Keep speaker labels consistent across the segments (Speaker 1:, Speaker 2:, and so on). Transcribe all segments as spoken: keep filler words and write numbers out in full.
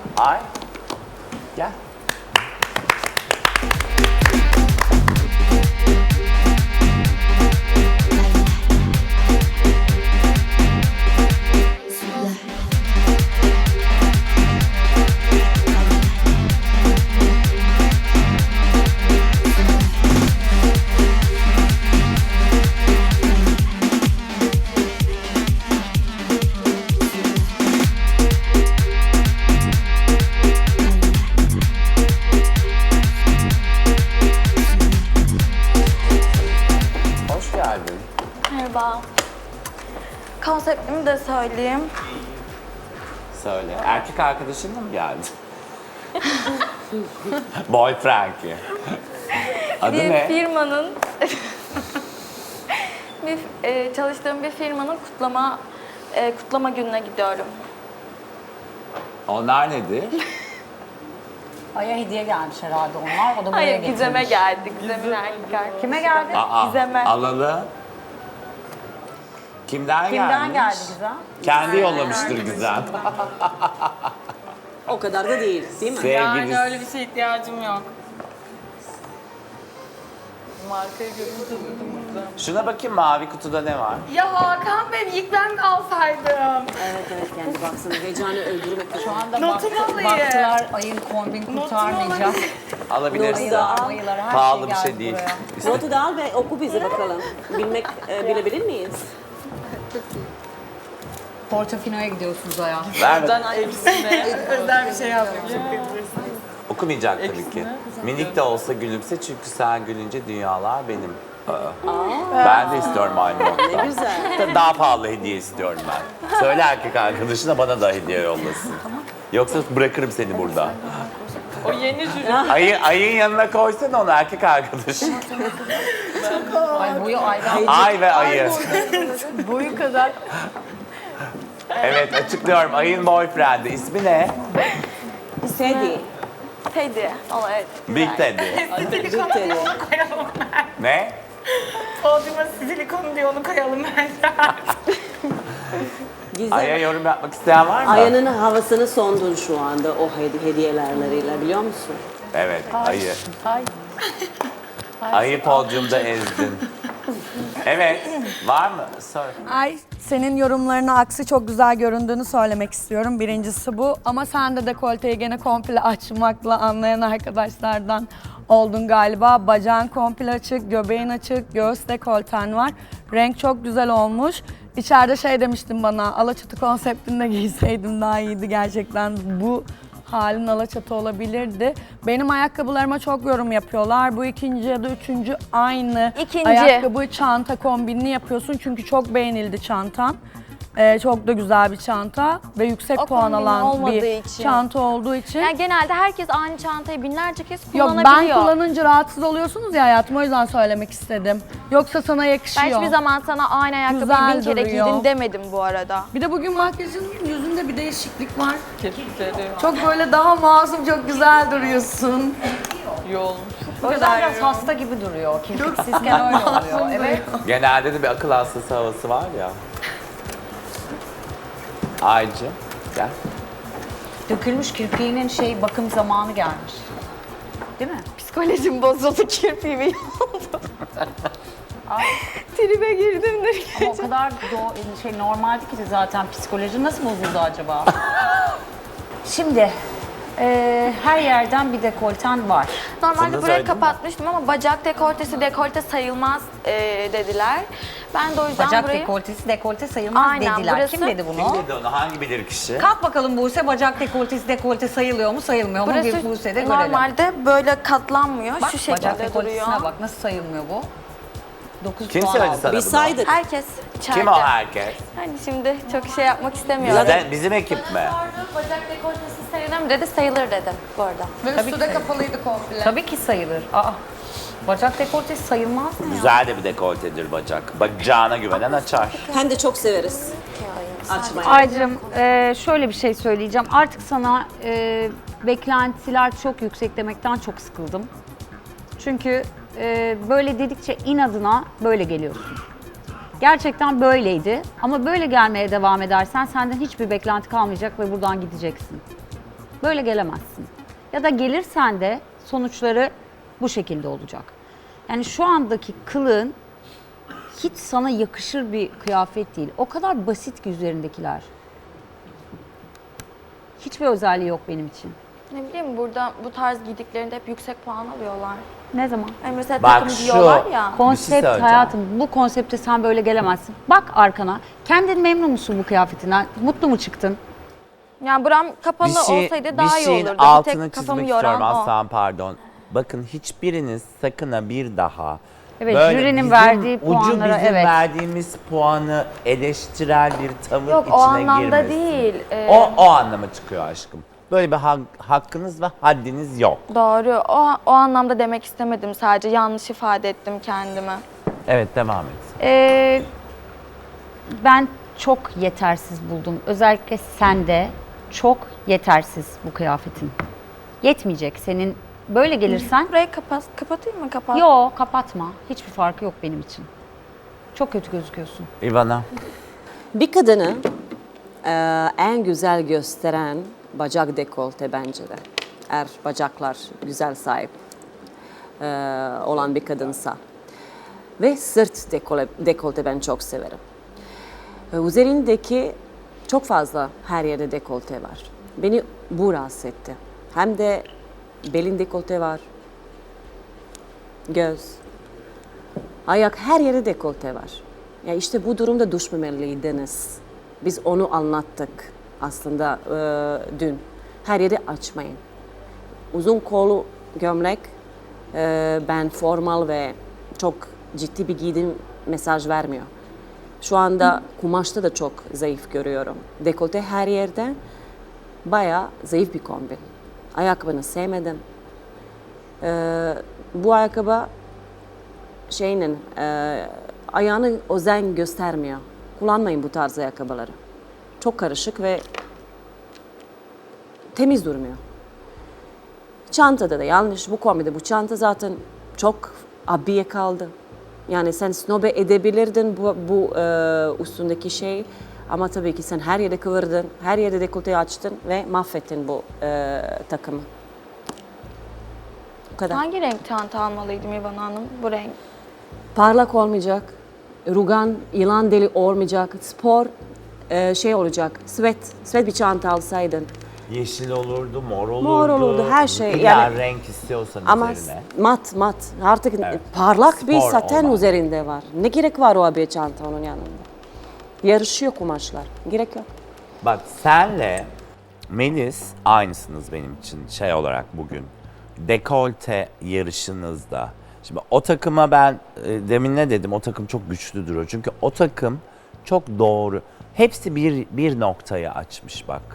Speaker 1: Ay. Gel. Hoş geldin.
Speaker 2: Merhaba. Konseptimi de söyleyeyim.
Speaker 1: Söyle. Erkek arkadaşınla mı geldin? Boyfriend'i. Adı
Speaker 2: bir
Speaker 1: ne?
Speaker 2: firmanın bir e, çalıştığım bir firmanın kutlama e, kutlama gününe gidiyorum.
Speaker 1: Onlar nedir?
Speaker 3: Ay'a hediye gelmiş herhalde onlar. O da buraya
Speaker 2: Hayır,
Speaker 3: getirmiş.
Speaker 2: Gizem'e geldik. Gizem'in erkek arkadaşı.
Speaker 3: Kime geldi?
Speaker 1: Aa,
Speaker 2: Gizem'e.
Speaker 1: alalım. Kimden,
Speaker 3: Kimden
Speaker 1: gelmiş?
Speaker 3: geldi Gizem?
Speaker 1: Kendi yollamıştır Gizem.
Speaker 4: O kadar da değil, değil mi?
Speaker 1: Sevgilisi.
Speaker 5: öyle bir şeye ihtiyacım yok. Markayı görünce duydum burada.
Speaker 1: Şuna bakayım mavi kutuda ne var?
Speaker 5: Ya Hakan Bey ilk ben alsaydım.
Speaker 4: Evet evet kendi baksana heyecanı öldürmek.
Speaker 3: Şu anda
Speaker 5: Notumu
Speaker 3: baktı,
Speaker 5: alayım.
Speaker 3: baktılar Ay'ın kombin kurtarmayacak.
Speaker 5: alayım.
Speaker 1: Alabilirsin.
Speaker 3: Ayılar, mayılar her
Speaker 1: Pahalı
Speaker 3: şey
Speaker 1: bir
Speaker 3: geldi
Speaker 1: şey değil.
Speaker 3: buraya.
Speaker 4: Notu da al ve oku bize bakalım. Bilmek, e, bilebilir miyiz?
Speaker 3: Portofino'ya gidiyorsunuz Ay'a.
Speaker 1: Ver
Speaker 5: Ben hepsine özel bir şey yapmayayım.
Speaker 1: Okumayacak tabii ki. Minik de olsa gülümse çünkü sen gülünce dünyalar benim. Aa. Ben de istiyorum aynı
Speaker 4: Ne
Speaker 1: nokta.
Speaker 4: güzel.
Speaker 1: Daha pahalı hediye istiyorum ben. Söyle erkek arkadaşına bana da hediye yollasın. Yoksa bırakırım seni burada.
Speaker 5: O yeni jüri.
Speaker 1: Ayı, ayın yanına koysana onu erkek arkadaş.
Speaker 3: Ay boyu Ay'dan.
Speaker 1: Ay ve ayı.
Speaker 3: Boyu kadar.
Speaker 1: Evet açıklıyorum. Ayın boyfriend'i. İsmi ne?
Speaker 4: Teddy.
Speaker 2: Teddy. O evet.
Speaker 1: Big Teddy.
Speaker 4: Big Teddy.
Speaker 1: Ne?
Speaker 5: Podyuma silikon diye onu koyalım bence.
Speaker 4: Gizem.
Speaker 1: Ay'a yorum yapmak isteyen var mı?
Speaker 4: Aya'nın havasını sondun şu anda o hedi- hediyelerleriyle biliyor musun?
Speaker 1: Evet ayı.
Speaker 3: Ay.
Speaker 1: Ayı podyumda ezdin. Evet. Var mı? Sor.
Speaker 6: Ay, senin yorumlarına aksi çok güzel göründüğünü söylemek istiyorum. Birincisi bu. Ama sen de dekolteyi gene komple açmakla anlayan arkadaşlardan oldun galiba. Bacağın komple açık, göbeğin açık, göğüs dekolten var. Renk çok güzel olmuş. İçeride şey demiştin bana, Alaçatı konseptinde giyseydim daha iyiydi gerçekten. Bu halin Alaçatı olabilirdi. Benim ayakkabılarıma çok yorum yapıyorlar. Bu ikinci ya da üçüncü aynı
Speaker 2: İkinci.
Speaker 6: ayakkabı çanta kombinini yapıyorsun. Çünkü çok beğenildi çantan. Ee, çok da güzel bir çanta ve yüksek
Speaker 2: O
Speaker 6: puan
Speaker 2: kombin
Speaker 6: alan
Speaker 2: olmadığı
Speaker 6: bir
Speaker 2: için.
Speaker 6: çanta olduğu için.
Speaker 2: Yani genelde herkes aynı çantayı binlerce kez
Speaker 6: Yok
Speaker 2: kullanabiliyor.
Speaker 6: ben kullanınca rahatsız oluyorsunuz ya hayatım, o yüzden söylemek istedim. Yoksa sana
Speaker 2: Ben
Speaker 6: yakışıyor.
Speaker 2: hiçbir zaman sana aynı ayakkabıyı
Speaker 6: Güzel
Speaker 2: bin kere
Speaker 6: duruyor.
Speaker 2: giydin demedim bu arada.
Speaker 6: Bir de bugün makyajın yüzünde bir değişiklik var.
Speaker 5: Kirpikleri
Speaker 6: Çok böyle daha masum, çok güzel duruyorsun.
Speaker 5: yoğun.
Speaker 3: O yüzden biraz hasta gibi duruyor. Kirpiksizken öyle oluyor. Evet.
Speaker 1: Genelde de bir akıl hastası havası var ya. Aycı. Gel.
Speaker 3: Dökülmüş kirpiğinin şey bakım zamanı gelmiş. Değil mi?
Speaker 2: Psikolojim bozuldu, kirpiğimi yoldu. Tribe girdim de.
Speaker 3: Ama o kadar do- şey normaldi ki zaten psikoloji nasıl bozuldu acaba? Şimdi e, her yerden bir dekolten var.
Speaker 2: Normalde
Speaker 1: Sana
Speaker 2: burayı
Speaker 1: söyledim
Speaker 2: kapatmıştım ama bacak dekoltesi dekolte sayılmaz e, dediler. Ben de o yüzden
Speaker 3: Bacak
Speaker 2: burayı...
Speaker 3: dekoltesi dekolte sayılmaz
Speaker 2: Aynen,
Speaker 3: dediler.
Speaker 2: burası-
Speaker 3: Kim dedi bunu?
Speaker 1: Kim dedi onu? Hangi bilir kişi?
Speaker 3: Kalk bakalım Buse, bacak dekoltesi dekolte sayılıyor mu sayılmıyor mu?
Speaker 2: Burası
Speaker 3: Bir Buse'de görelim.
Speaker 2: normalde böyle katlanmıyor.
Speaker 3: Bak,
Speaker 2: Şu şekilde
Speaker 3: bacak dekoltesine
Speaker 2: duruyor.
Speaker 3: bak nasıl sayılmıyor bu? dokuz
Speaker 1: Kim
Speaker 3: puan
Speaker 1: söyledi
Speaker 3: aldı.
Speaker 1: sana
Speaker 4: Biz
Speaker 1: bunu?
Speaker 4: saydık.
Speaker 2: Herkes içeride.
Speaker 1: Kim o herkes?
Speaker 2: Hani şimdi çok şey yapmak istemiyorum.
Speaker 1: Bizden, bizim ekip mi?
Speaker 2: Bacak dekoltesi sayılır mı dedi, sayılır dedim bu arada.
Speaker 6: Ve üstü de kapalıydı komple.
Speaker 3: Tabii ki sayılır. Aa, bacak dekoltesi sayılmaz mı ya?
Speaker 1: Güzel de bir dekoltedir bacak. Bacağına güvenen açar.
Speaker 4: Hem de çok severiz açmayı.
Speaker 7: Aycığım e, şöyle bir şey söyleyeceğim. Artık sana e, beklentiler çok yüksek demekten çok sıkıldım. Çünkü e, böyle dedikçe inadına böyle geliyorsun. Gerçekten böyleydi ama böyle gelmeye devam edersen senden hiçbir beklenti kalmayacak ve buradan gideceksin. Böyle gelemezsin. Ya da gelirsen de sonuçları bu şekilde olacak. Yani şu andaki kılığın hiç sana yakışır bir kıyafet değil. O kadar basit ki üzerindekiler. Hiçbir özelliği yok benim için.
Speaker 2: Ne bileyim burada bu tarz giydiklerinde hep yüksek puan alıyorlar.
Speaker 7: Ne zaman?
Speaker 2: Yani mesela
Speaker 1: Bak
Speaker 2: takım
Speaker 1: şu-
Speaker 2: giyiyorlar ya.
Speaker 7: Konsept
Speaker 1: söyleyeceğim.
Speaker 7: hayatım, bu konsepte sen böyle gelemezsin. Bak arkana, kendin memnun musun bu kıyafetinden? Mutlu mu çıktın?
Speaker 2: Yani buram kapalı
Speaker 1: Bir, şey,
Speaker 2: olsaydı daha
Speaker 1: bir
Speaker 2: iyi
Speaker 1: şeyin
Speaker 2: olurdu. Bir
Speaker 1: altını
Speaker 2: tek kafamı
Speaker 1: çizmek
Speaker 2: yoran
Speaker 1: istiyorum
Speaker 2: o.
Speaker 1: Aslan pardon. Bakın hiçbiriniz sakın ha bir daha
Speaker 7: Evet,
Speaker 1: böyle
Speaker 7: jürinin
Speaker 1: bizim,
Speaker 7: verdiği
Speaker 1: ucu
Speaker 7: puanlara,
Speaker 1: bizim
Speaker 7: evet.
Speaker 1: verdiğimiz puanı eleştirel bir tavır
Speaker 2: Yok
Speaker 1: içine
Speaker 2: o anlamda
Speaker 1: girmesin.
Speaker 2: değil. Ee,
Speaker 1: O, o anlama çıkıyor aşkım. Böyle bir hak- hakkınız ve haddiniz yok.
Speaker 2: Doğru. O, o anlamda demek istemedim sadece. Yanlış ifade ettim kendimi.
Speaker 1: Evet devam et.
Speaker 7: Ee, ben çok yetersiz buldum. Özellikle sende çok yetersiz bu kıyafetin. Yetmeyecek senin. Böyle gelirsen,
Speaker 2: Burayı kapat, kapatayım mı? Kapat.
Speaker 7: yo kapatma. Hiçbir farkı yok benim için. Çok kötü gözüküyorsun.
Speaker 1: Ivana.
Speaker 4: Bir kadını e, en güzel gösteren bacak dekolte bence de. Eğer bacaklar güzel sahip e, olan bir kadınsa. Ve sırt dekole, dekolte ben çok severim. E, üzerindeki çok fazla her yerde dekolte var. Beni bu rahatsız etti. Hem de belin dekolte var. Göz. Ayak her yere dekolte var. Ya işte bu durumda düşmemeliydiniz. Biz onu anlattık aslında e, dün. Her yeri açmayın. Uzun kollu gömlek e, ben formal ve çok ciddi bir giydim mesaj vermiyor. Şu anda kumaşta da çok zayıf görüyorum. Dekolte her yerde bayağı zayıf bir kombin. Ayakkabını sevmedim. E, bu ayakkabı şeyinin e, ayağını özen göstermiyor. Kullanmayın bu tarz ayakkabıları. Çok karışık ve temiz durmuyor. Çantada da yanlış. Bu kombide bu çanta zaten çok abiye kaldı. Yani sen snobe edebilirdin bu, bu e, üstündeki şey. Ama tabii ki sen her yere kıvırdın, her yere dekolteyi açtın ve mahvettin bu e, takımı. Bu kadar.
Speaker 2: Hangi renk çanta almalıydım İvan Hanım? Bu renk.
Speaker 4: Parlak olmayacak, rugan, yılan deli olmayacak, spor e, şey olacak, sweat, sweat bir çanta alsaydın.
Speaker 1: Yeşil olurdu, mor olurdu.
Speaker 4: Mor olurdu, her şey.
Speaker 1: İlla
Speaker 4: Yani-
Speaker 1: renk istiyorsan
Speaker 4: Ama
Speaker 1: üzerine.
Speaker 4: mat mat, artık
Speaker 1: Evet.
Speaker 4: parlak bir
Speaker 1: Spor
Speaker 4: saten
Speaker 1: olan.
Speaker 4: üzerinde var. Ne gerek var o abiye çanta onun yanında? Yarışıyor kumaşlar, gerek yok.
Speaker 1: Bak senle Melis aynısınız benim için şey olarak bugün. Dekolte yarışınızda. Şimdi o takıma ben e, demin ne dedim? O takım çok güçlü duruyor. Çünkü o takım çok doğru. Hepsi bir, bir noktayı açmış bak.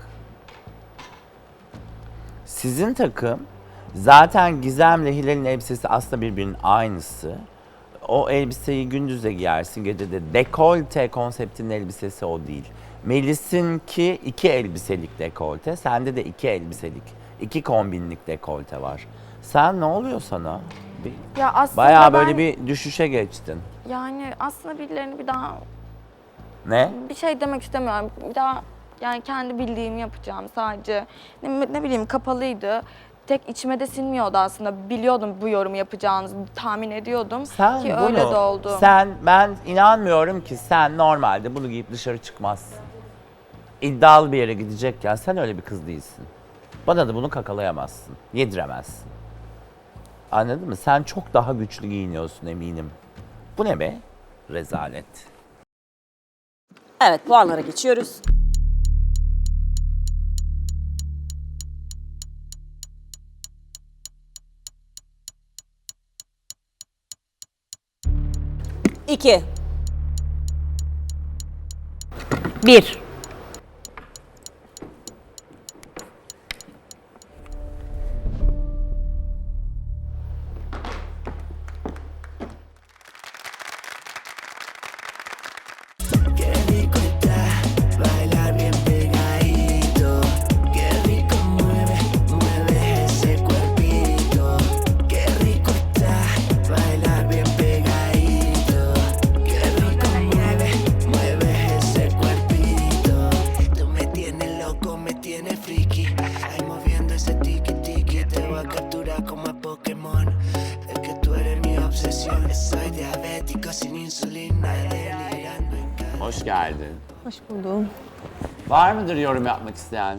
Speaker 1: Sizin takım zaten Gizem'le Hilal'in elbisesi aslında birbirinin aynısı. O elbiseyi gündüz de giyersin, gece de. Dekolte konseptinin elbisesi o değil. Melis'inki iki elbiselik dekolte, sende de iki elbiselik, iki kombinlik dekolte var. Sen ne oluyor sana? Bir,
Speaker 2: Ya aslında
Speaker 1: bayağı
Speaker 2: ben,
Speaker 1: böyle bir düşüşe geçtin.
Speaker 2: Yani aslında birilerini bir daha
Speaker 1: Ne?
Speaker 2: bir şey demek istemiyorum. Bir daha yani kendi bildiğimi yapacağım sadece. Ne, ne bileyim kapalıydı. Tek içime de sinmiyordu aslında. Biliyordum bu yorumu yapacağınızı, tahmin ediyordum
Speaker 1: Sen
Speaker 2: ki
Speaker 1: bunu,
Speaker 2: öyle de oldu.
Speaker 1: sen, ben inanmıyorum ki sen normalde bunu giyip dışarı çıkmazsın. İddialı bir yere gidecekken sen öyle bir kız değilsin. Bana da bunu kakalayamazsın, yediremezsin. Anladın mı? Sen çok daha güçlü giyiniyorsun eminim. Bu ne be? Rezalet.
Speaker 4: Evet, puanlara geçiyoruz. İki.
Speaker 7: Bir.
Speaker 1: hoş geldin.
Speaker 8: Hoş buldum.
Speaker 1: Var mıdır yorum yapmak isteyen?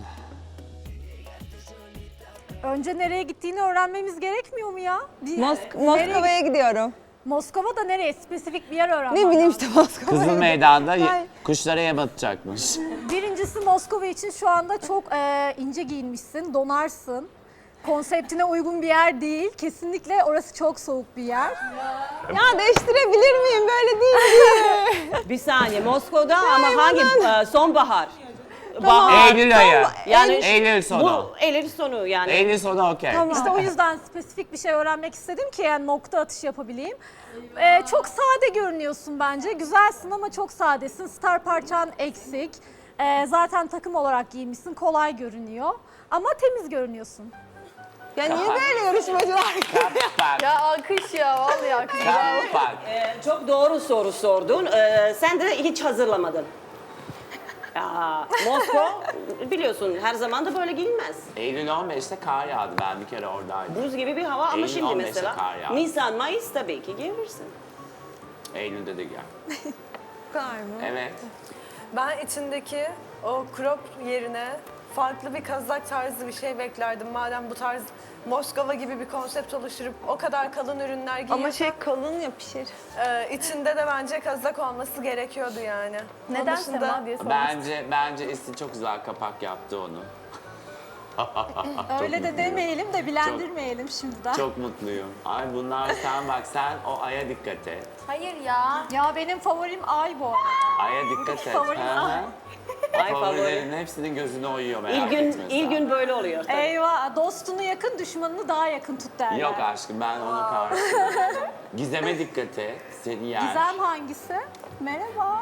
Speaker 9: Önce nereye gittiğini öğrenmemiz gerekmiyor mu ya? Bir-
Speaker 8: Mosk
Speaker 9: nereye-
Speaker 8: Moskova'ya gidiyorum.
Speaker 9: Moskova'da nereye? Spesifik bir yer öğrenmem
Speaker 8: Ne bileyim
Speaker 9: lazım.
Speaker 8: işte Moskova'ya.
Speaker 1: Kızıl Meydan'da ye-
Speaker 8: Ay.
Speaker 1: kuşlara yem atacakmış.
Speaker 9: Birincisi Moskova için şu anda çok e, ince giyinmişsin, donarsın. Konseptine uygun bir yer değil. Kesinlikle orası çok soğuk bir yer.
Speaker 8: Ya değiştirebilir miyim? Böyle değil diye.
Speaker 4: Bir saniye Moskova'da ama hangi e, sonbahar?
Speaker 1: Eylül ayı.
Speaker 4: Yani
Speaker 1: Eylül sonu.
Speaker 4: Bu Eylül sonu yani.
Speaker 1: Eylül sonu okey.
Speaker 9: İşte o yüzden spesifik bir şey öğrenmek istedim ki yani nokta atışı yapabileyim. E, çok sade görünüyorsun bence. Güzelsin ama çok sadesin. Star parçan eksik. E, zaten takım olarak giymişsin. Kolay görünüyor. Ama temiz görünüyorsun.
Speaker 8: Ya niye böyle yarışmacılar?
Speaker 1: Kapak.
Speaker 2: Ya alkış ya vallahi alkış.
Speaker 1: Kapak.
Speaker 4: E, çok doğru soru sordun. E, sen de hiç hazırlamadın. Ya, Moskova biliyorsun her zaman da böyle giyinmez.
Speaker 1: Eylül on beşte kar yağdı. Ben bir kere oradaydım.
Speaker 4: Buz gibi bir hava ama
Speaker 1: Eylül
Speaker 4: şimdi
Speaker 1: on beşte
Speaker 4: mesela
Speaker 1: kar yağdı.
Speaker 4: Nisan, Mayıs tabii ki giyebilirsin.
Speaker 1: Eylül'de de gel.
Speaker 8: Bu kadar mı?
Speaker 1: Evet.
Speaker 10: Ben içindeki o crop yerine farklı bir kazak tarzı bir şey beklerdim. Madem bu tarz Moskova gibi bir konsept oluşturup o kadar kalın ürünler giyiyorsan
Speaker 8: Ama şey kalın ya pişir.
Speaker 10: e, içinde de bence kazak olması gerekiyordu yani. Onun
Speaker 2: Neden
Speaker 10: dışında-
Speaker 2: Sema diye sormuş.
Speaker 1: Bence bence Esin çok güzel kapak yaptı onu.
Speaker 9: Öyle de
Speaker 1: mutluyum.
Speaker 9: demeyelim de bilendirmeyelim şimdiden.
Speaker 1: Çok mutluyum. Ay bunlar sen bak sen o aya dikkat et.
Speaker 2: Hayır ya.
Speaker 9: Ya benim favorim Ay bu arada.
Speaker 1: Aya dikkat et.
Speaker 9: Favorim
Speaker 1: Hı hı.
Speaker 9: ay.
Speaker 4: Ay favori.
Speaker 1: Favorilerin hepsinin gözüne oyuyor merak
Speaker 4: İlgün,
Speaker 1: etme sen.
Speaker 4: ilgün böyle oluyor tabii.
Speaker 9: Eyvah, dostunu yakın, düşmanını daha yakın tut derler.
Speaker 1: Yok aşkım ben ona karşıyım. Gizem'e dikkat et. Seni yer.
Speaker 9: Gizem hangisi? Merhaba.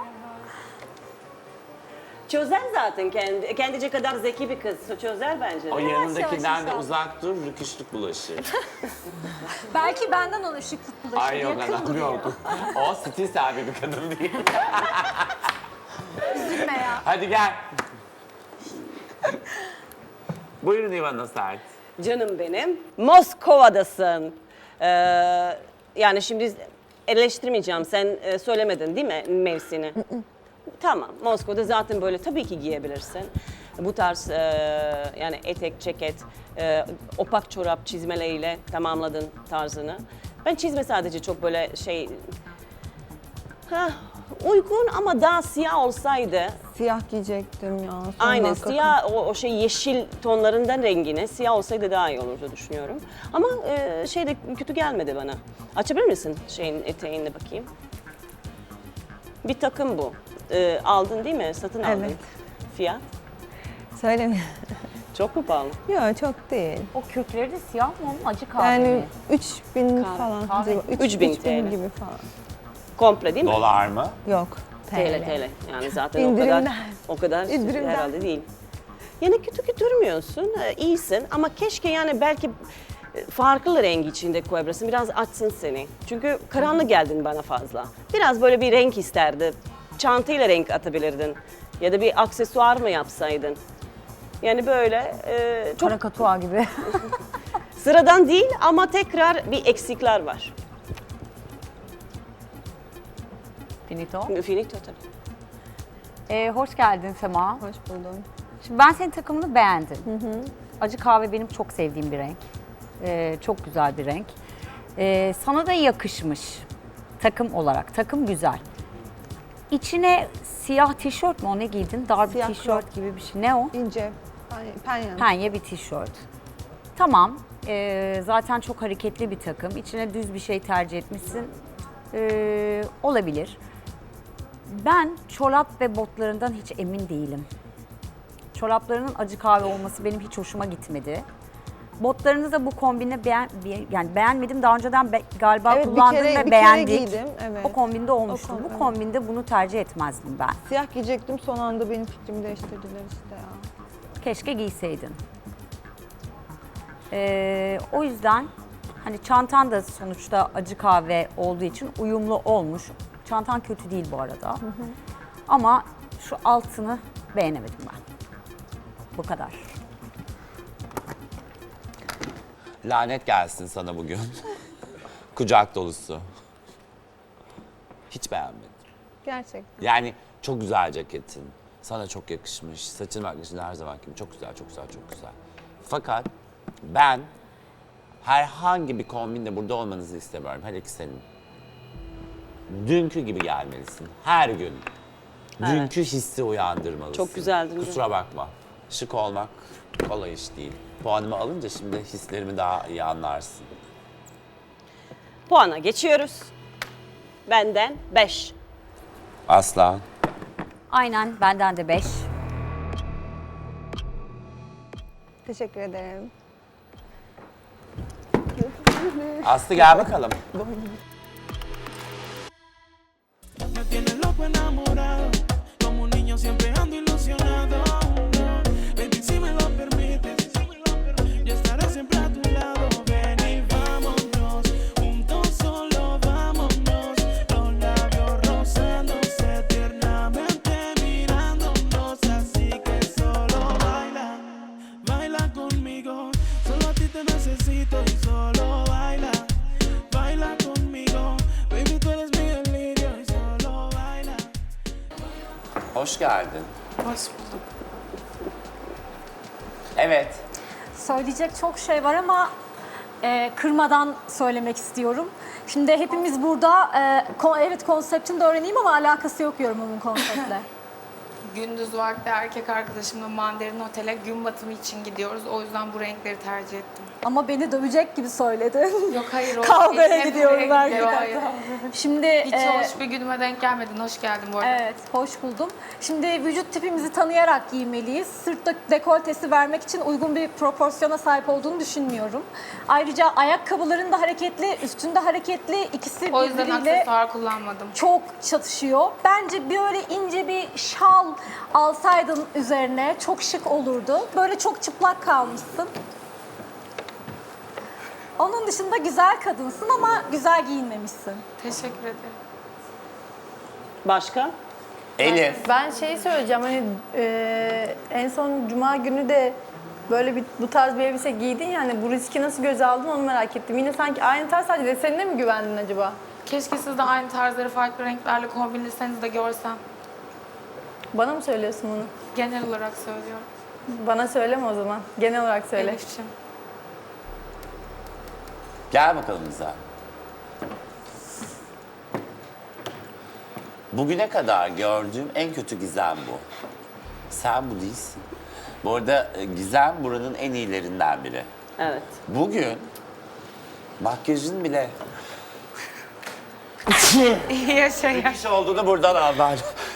Speaker 4: Çözer zaten kendi, kendice kadar zeki bir kız. Çözer bence.
Speaker 1: O
Speaker 4: de.
Speaker 1: yanındakinden de
Speaker 9: inşallah.
Speaker 1: uzak dur, rüküşlük bulaşır.
Speaker 9: Belki benden ona ışıklık bulaşır.
Speaker 1: Ay yok
Speaker 9: yakın
Speaker 1: anam
Speaker 9: duruyor.
Speaker 1: yok. O stil sahibi bir kadın değil.
Speaker 9: Üzülme ya.
Speaker 1: Hadi gel. Buyurun İvana Sert.
Speaker 4: Canım benim. Moskova'dasın. Ee, yani şimdi eleştirmeyeceğim. Sen e, söylemedin değil mi mevsini? Tamam. Moskova'da zaten böyle tabii ki giyebilirsin. Bu tarz e, yani etek, ceket, e, opak çorap çizmeleriyle tamamladın tarzını. Ben çizme sadece çok böyle şey... Hah, uygun ama daha siyah olsaydı
Speaker 8: Siyah giyecektim ya. Son
Speaker 4: aynen
Speaker 8: dakika.
Speaker 4: siyah o, o şey yeşil tonlarından rengine siyah olsaydı daha iyi olurdu düşünüyorum. Ama e, şey de kötü gelmedi bana. Açabilir misin şeyin eteğini bakayım? Bir takım bu. E, aldın değil mi? Satın aldın.
Speaker 8: Evet.
Speaker 4: Fiyat?
Speaker 8: Söyleme.
Speaker 4: Çok mu pahalı?
Speaker 8: Yok çok değil.
Speaker 7: O kürkleri de siyah mı onun acı kahve
Speaker 8: Yani
Speaker 7: mi?
Speaker 8: üç bin
Speaker 4: Kahve-
Speaker 8: falan.
Speaker 7: kahve-
Speaker 8: civarı. Üç-
Speaker 4: üç bin
Speaker 8: üç bin
Speaker 4: TL.
Speaker 8: gibi falan.
Speaker 4: Komple değil mi?
Speaker 1: Dolar mı?
Speaker 8: Yok.
Speaker 4: T L T L. Yani zaten o kadar
Speaker 8: İndirimden.
Speaker 4: o kadar
Speaker 8: İndirimden.
Speaker 4: herhalde değil. Yani kötü kötü durmuyorsun. e, iyisin ama keşke yani belki e, farklı renk içinde koyabilirsin. Biraz açsın seni. Çünkü karanlık geldin bana fazla. Biraz böyle bir renk isterdi. Çantayla renk atabilirdin. Ya da bir aksesuar mı yapsaydın? Yani böyle e, çok
Speaker 7: Karakatua gibi.
Speaker 4: sıradan değil ama tekrar bir eksikler var.
Speaker 7: Finito.
Speaker 4: Finito tabii.
Speaker 7: Ee, hoş geldin Sema.
Speaker 8: Hoş buldum.
Speaker 7: Şimdi ben senin takımını beğendim. Acı kahve benim çok sevdiğim bir renk. Ee, çok güzel bir renk. Ee, sana da yakışmış takım olarak. Takım güzel. İçine siyah tişört mü o ne giydin? Dar bir
Speaker 8: Siyah
Speaker 7: tişört gibi bir şey. Ne o?
Speaker 8: İnce. Yani penyen.
Speaker 7: Penye bir tişört. Tamam. Ee, zaten çok hareketli bir takım. İçine düz bir şey tercih etmişsin. Ee, olabilir. Ben çorap ve botlarından hiç emin değilim. Çoraplarının acı kahve olması benim hiç hoşuma gitmedi. Botlarını da bu kombine beğen, be- yani beğenmedim. Daha önceden be- galiba
Speaker 8: Evet, bir
Speaker 7: kullandım
Speaker 8: kere-
Speaker 7: ve
Speaker 8: bir kere
Speaker 7: beğendik.
Speaker 8: giydim, evet.
Speaker 7: O kombinde olmuştu.
Speaker 8: O kom-
Speaker 7: bu
Speaker 8: evet.
Speaker 7: kombinde bunu tercih etmezdim ben.
Speaker 8: Siyah giyecektim son anda benim fikrimi değiştirdiler işte ya.
Speaker 7: Keşke giyseydin. Ee, o yüzden hani çantan da sonuçta acı kahve olduğu için uyumlu olmuş. Çantan kötü değil bu arada. Ama şu altını beğenemedim ben. Bu kadar.
Speaker 1: Lanet gelsin sana bugün. Kucak dolusu. Hiç beğenmedim.
Speaker 8: Gerçekten.
Speaker 1: Yani çok Çok güzel ceketin. Sana çok yakışmış. Saçın makyajın her zaman gibi çok güzel, çok güzel, çok güzel. Fakat ben herhangi bir kombinle burada olmanızı istemiyorum. Hele ki senin. Dünkü gibi gelmelisin. Her gün. Dünkü hissi uyandırmalısın.
Speaker 4: Çok güzeldin dün.
Speaker 1: Kusura bakma. Şık olmak kolay iş değil. Puanımı alınca şimdi hislerimi daha iyi anlarsın.
Speaker 8: Puana geçiyoruz. Benden beş.
Speaker 1: Aslan.
Speaker 7: Aynen benden de beş.
Speaker 8: Teşekkür ederim.
Speaker 1: Aslı gel bakalım.
Speaker 11: Me tienes loco enamorado, como un niño siempre ando ilusionado. Baby, si me lo permites, yo estaré siempre a tu lado. Ven y vámonos, juntos solo vámonos. Los labios rozándose tiernamente mirándonos, así que solo baila, baila conmigo. Solo a ti te necesito y solo baila, baila conmigo. Baby, tú eres mi delirio y solo baila.
Speaker 1: Hoş geldin.
Speaker 5: Hoş bulduk.
Speaker 1: Evet.
Speaker 9: Söyleyecek çok şey var ama e, kırmadan söylemek istiyorum. Şimdi hepimiz burada, e, kon- evet konseptini de öğreneyim ama alakası yok yorumumun konseptle.
Speaker 5: Gündüz vakti erkek arkadaşımla Mandarin Otel'e gün batımı için gidiyoruz. O yüzden bu renkleri tercih ettim.
Speaker 9: Ama beni dövecek gibi söyledin.
Speaker 5: Yok hayır. o
Speaker 9: Kavgaya
Speaker 5: hep
Speaker 9: gidiyorum
Speaker 5: buraya
Speaker 9: belki
Speaker 5: gidiyor,
Speaker 9: de.
Speaker 5: hayır.
Speaker 9: Şimdi
Speaker 5: Hiç
Speaker 9: e,
Speaker 5: hoş bir günüme denk gelmedin. Hoş geldin bu arada.
Speaker 9: evet, hoş buldum. Şimdi vücut tipimizi tanıyarak giymeliyiz. Sırt dek- dekoltesi vermek için uygun bir proporsiyona sahip olduğunu düşünmüyorum. Ayrıca ayakkabıların da hareketli, üstünde hareketli. İkisi
Speaker 5: O yüzden
Speaker 9: birbiriyle
Speaker 5: aksesuar kullanmadım.
Speaker 9: çok çatışıyor. Bence böyle ince bir şal alsaydın üzerine çok şık olurdu. Böyle çok çıplak kalmışsın. Onun dışında güzel kadınsın ama güzel giyinmemişsin.
Speaker 5: Teşekkür ederim.
Speaker 8: Başka?
Speaker 1: Elif.
Speaker 12: Ben şey söyleyeceğim hani e, en son cuma günü de böyle bir bu tarz bir elbise giydin ya hani bu riski nasıl göze aldın onu merak ettim. Yine sanki aynı tarz sadece desenine mi güvendin acaba?
Speaker 5: Keşke siz de aynı tarzları farklı renklerle kombinleseniz de görsem.
Speaker 12: Bana mı söylüyorsun bunu?
Speaker 5: Genel olarak söylüyorum.
Speaker 12: Bana söyleme o zaman. Genel olarak söyle.
Speaker 5: Elif'ciğim.
Speaker 1: Gel bakalım bize. Bugüne kadar gördüğüm en kötü Gizem bu. Sen bu değilsin. Bu arada e, Gizem buranın en iyilerinden biri.
Speaker 8: Evet.
Speaker 1: Bugün makyajın bile
Speaker 5: İyi yaşayın.
Speaker 1: iş olduğunu buradan anlar.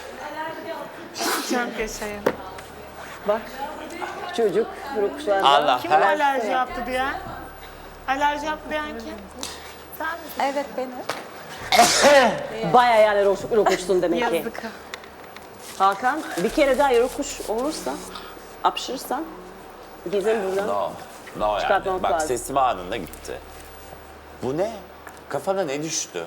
Speaker 5: Çok yaşayın.
Speaker 8: Bak çocuk rokuşlarda.
Speaker 1: Allah
Speaker 5: Kim
Speaker 1: her
Speaker 5: alerji yaptı diyen? Alerji yaptı diyen kim? Sen misin?
Speaker 9: Evet benim.
Speaker 8: Bayağı yani ro- rokuşsun demek ki.
Speaker 5: Yazık.
Speaker 8: Hakan bir kere daha rokuş olursa, apşırırsan Gizem buradan.
Speaker 1: No, no yani.
Speaker 8: Çıkartmamız
Speaker 1: Bak
Speaker 8: lazım.
Speaker 1: sesim anında gitti. Bu ne? Kafana ne düştü?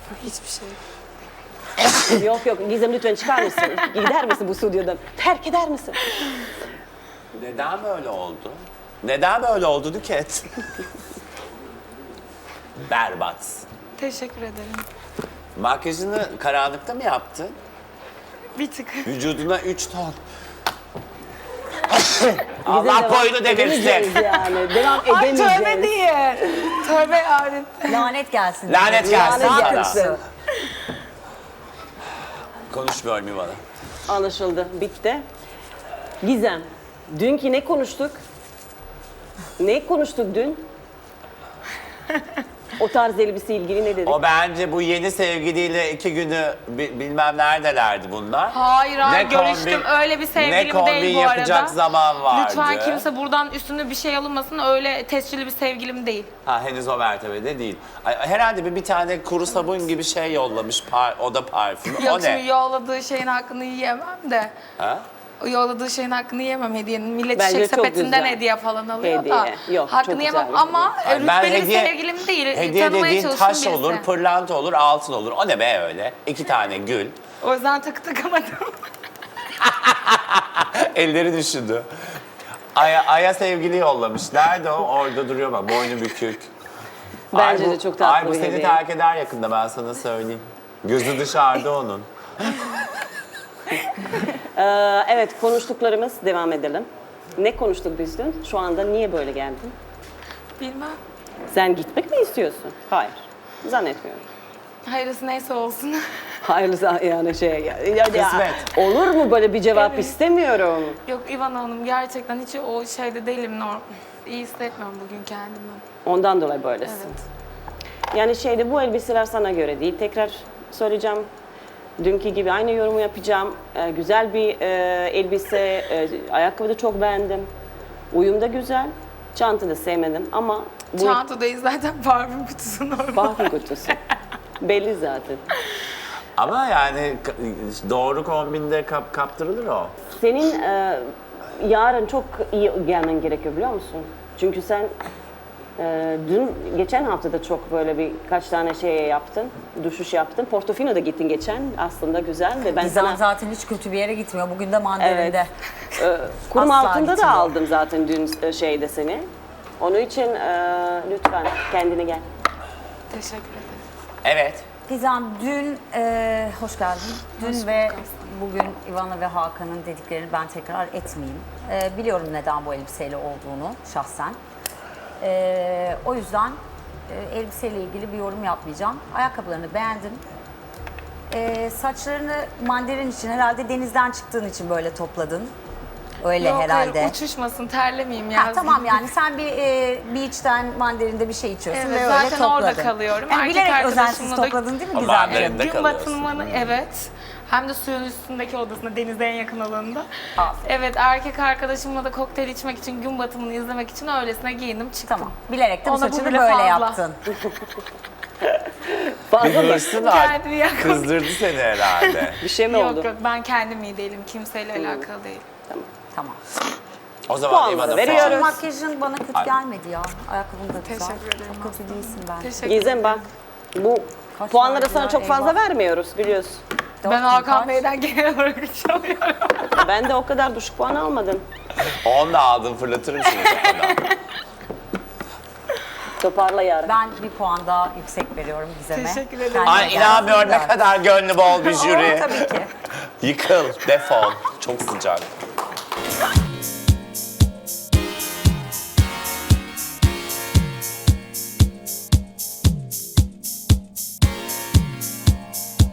Speaker 8: Yok yok Gizem lütfen çıkar mısın? Gider misin bu stüdyodan? Terk eder misin?
Speaker 1: Neden böyle oldu? Neden böyle oldu Nüket? Berbat.
Speaker 5: Teşekkür ederim.
Speaker 1: Makyajını karanlıkta mı yaptın?
Speaker 5: Bir tık.
Speaker 1: Vücuduna üç ton.
Speaker 8: Gizem
Speaker 1: Allah
Speaker 8: devam
Speaker 1: boynu
Speaker 8: edemeyeceğiz
Speaker 1: devirsin.
Speaker 8: yani. Devam
Speaker 5: Ay
Speaker 8: edemeyeceğiz.
Speaker 5: tövbe diye. Tövbe yarın.
Speaker 7: Lanet gelsin.
Speaker 1: Lanet gelsin
Speaker 8: Lanet
Speaker 1: sana.
Speaker 8: gelsin.
Speaker 1: Konuşmuyor mu bana?
Speaker 8: Anlaşıldı. Bitti. Gizem, dünkü ne konuştuk? Ne konuştuk dün? O tarz elbise ilgili ne dedik?
Speaker 1: O bence bu yeni sevgiliyle iki günü bi- bilmem neredelerdi bunlar.
Speaker 5: Hayır hayır
Speaker 1: Ne
Speaker 5: görüştüm.
Speaker 1: kombin-
Speaker 5: Öyle bir
Speaker 1: ne
Speaker 5: sevgilim
Speaker 1: kombin
Speaker 5: değil bu arada.
Speaker 1: yapacak zaman vardı.
Speaker 5: Lütfen kimse buradan üstüne bir şey alınmasın. Öyle tescilli bir sevgilim değil.
Speaker 1: Ha henüz o mertebede değil. Ay, herhalde bir, bir tane kuru sabun gibi şey yollamış. Par, o da parfüm.
Speaker 5: Yok
Speaker 1: O
Speaker 5: şimdi
Speaker 1: ne?
Speaker 5: yolladığı şeyin hakkını yiyemem de.
Speaker 1: Ha?
Speaker 5: O yolladığı şeyin hakkını yiyemem hediyenin. Millet
Speaker 8: Bence
Speaker 5: çiçek
Speaker 8: çok
Speaker 5: sepetinden
Speaker 8: güzel.
Speaker 5: hediye falan alıyor
Speaker 8: Hediye.
Speaker 5: da.
Speaker 8: Yok,
Speaker 5: hakkını
Speaker 8: çok
Speaker 5: yemem
Speaker 8: güzel bir
Speaker 5: ama
Speaker 1: Ay, ben
Speaker 5: rütbeli
Speaker 1: hediye-
Speaker 5: bir sevgilim değil.
Speaker 1: Hediye
Speaker 5: Tanımaya
Speaker 1: dediğin
Speaker 5: çalıştığım
Speaker 1: taş
Speaker 5: birisi.
Speaker 1: olur, pırlanta olur, altın olur. O ne be öyle? İki tane gül.
Speaker 5: O yüzden takı takamadım.
Speaker 1: Elleri düşündü. Aya, Aya sevgili yollamış. Nerede o? Orada duruyor bak. Boynu bükük.
Speaker 8: Bence
Speaker 1: Ay,
Speaker 8: de
Speaker 1: bu-
Speaker 8: çok tatlı
Speaker 1: Ay bu
Speaker 8: bir
Speaker 1: seni
Speaker 8: hediye.
Speaker 1: terk eder yakında ben sana söyleyeyim. Gözü dışarıda onun.
Speaker 8: Ee, evet, konuştuklarımız devam edelim. Ne konuştuk biz dün? Şu anda niye böyle geldin?
Speaker 5: Bilmem.
Speaker 8: Sen gitmek mi istiyorsun? Hayır. Zannetmiyorum.
Speaker 5: Hayırlısı neyse olsun.
Speaker 8: Hayırlısı yani şey... Ya, ya,
Speaker 1: Kısmet.
Speaker 8: olur mu böyle bir cevap
Speaker 5: Evet.
Speaker 8: istemiyorum.
Speaker 5: Yok İvan Hanım gerçekten hiç o şeyde değilim. Norm. İyi hissetmiyorum bugün kendimi.
Speaker 8: Ondan dolayı böylesin.
Speaker 5: Evet.
Speaker 8: Yani şeyde bu elbiseler sana göre değil. Tekrar söyleyeceğim. Dünkü gibi aynı yorumu yapacağım. Ee, güzel bir e, elbise, e, ayakkabı da çok beğendim. Uyum da güzel. Çanta da sevmedim ama bu
Speaker 5: Çanta değil zaten parfüm kutusu normal.
Speaker 8: parfüm kutusu. Belli zaten.
Speaker 1: Ama yani k- doğru kombinde kap, kaptırılır o.
Speaker 8: Senin e, yarın çok iyi gelmen gerekiyor biliyor musun? Çünkü sen e, dün, geçen hafta da çok böyle bir kaç tane şey yaptın, düşüş yaptın. Portofino'da gittin geçen, aslında güzel de ben
Speaker 3: Gizem
Speaker 8: sana...
Speaker 3: zaten hiç kötü bir yere gitmiyor. Bugün de mandarinde.
Speaker 8: E, kurum
Speaker 3: Asla
Speaker 8: altında da
Speaker 3: gitmiyor.
Speaker 8: aldım zaten dün e, şeyde seni. Onun için e, lütfen kendine gel.
Speaker 5: Teşekkür ederim.
Speaker 1: Evet.
Speaker 3: Gizem dün, e, hoş geldin. Dün ve bugün Ivana ve Hakan'ın dediklerini ben tekrar etmeyeyim. E, biliyorum neden bu elbiseyle olduğunu şahsen. E, o yüzden e, elbiseyle ilgili bir yorum yapmayacağım. Ayakkabılarını beğendim. E, saçlarını mandarin için herhalde denizden çıktığın için böyle topladın. Öyle
Speaker 5: Yok
Speaker 3: herhalde.
Speaker 5: hayır uçuşmasın terlemeyeyim ya.
Speaker 3: Ha, tamam yani sen bir e, beach'ten mandarinde bir şey içiyorsun
Speaker 5: Evet,
Speaker 3: ve öyle
Speaker 5: zaten
Speaker 3: topladın.
Speaker 5: orada kalıyorum.
Speaker 3: Yani
Speaker 5: Erkek
Speaker 3: bilerek
Speaker 5: arkadaşımla
Speaker 3: özensiz
Speaker 5: da-
Speaker 3: topladın değil mi
Speaker 1: O
Speaker 3: Gizemciğim?
Speaker 1: mandarinde
Speaker 5: Gün
Speaker 1: kalıyorsun.
Speaker 5: batımını evet. Hem de suyun üstündeki odasında, denize en yakın alanında.
Speaker 3: Aferin.
Speaker 5: Evet, erkek arkadaşımla da kokteyl içmek için, gün batımını izlemek için öylesine giyindim çıktım.
Speaker 3: Tamam. Bilerek de bu
Speaker 5: Ona bu
Speaker 3: saçını
Speaker 5: bile
Speaker 3: böyle
Speaker 5: fazla.
Speaker 3: yaptın.
Speaker 8: Fazla mı?
Speaker 1: Hırsın artık.
Speaker 5: Kendini yakın.
Speaker 1: Kızdırdı seni herhalde.
Speaker 8: Bir şey mi
Speaker 5: Yok
Speaker 8: oldu?
Speaker 5: yok, ben kendim iyi değilim. Kimseyle alakalı değil.
Speaker 3: Tamam.
Speaker 1: O zaman
Speaker 8: Puanları
Speaker 1: İvan'a
Speaker 8: veriyoruz.
Speaker 1: puan.
Speaker 3: Makyajın bana kötü
Speaker 1: Ay.
Speaker 3: gelmedi ya. Ayakkabın da güzel.
Speaker 5: Teşekkür ederim.
Speaker 3: Çok kötü değilsin ben.
Speaker 5: Teşekkür
Speaker 8: Gizem bak, bu
Speaker 3: Kaç
Speaker 8: puanları
Speaker 3: verdiler,
Speaker 8: sana çok fazla
Speaker 3: eyvah.
Speaker 8: vermiyoruz biliyorsun.
Speaker 3: Dört
Speaker 5: Ben
Speaker 3: bin
Speaker 5: Hakan
Speaker 3: kaç?
Speaker 5: Bey'den genel olarak üç alıyorum.
Speaker 8: Ben de o kadar düşük puan almadım.
Speaker 1: On da aldın, fırlatırım şimdi kafadan.
Speaker 8: Toparla yarın.
Speaker 3: Ben bir puan daha yüksek veriyorum Gizem'e.
Speaker 5: Teşekkür ederim.
Speaker 3: Kendine
Speaker 1: Ay
Speaker 3: gelsin
Speaker 1: inanmıyorum ne
Speaker 3: gör.
Speaker 1: kadar gönlü bol bir
Speaker 3: Oo,
Speaker 1: jüri.
Speaker 3: tabii ki.
Speaker 1: Yıkıl, defol. Çok sıcak.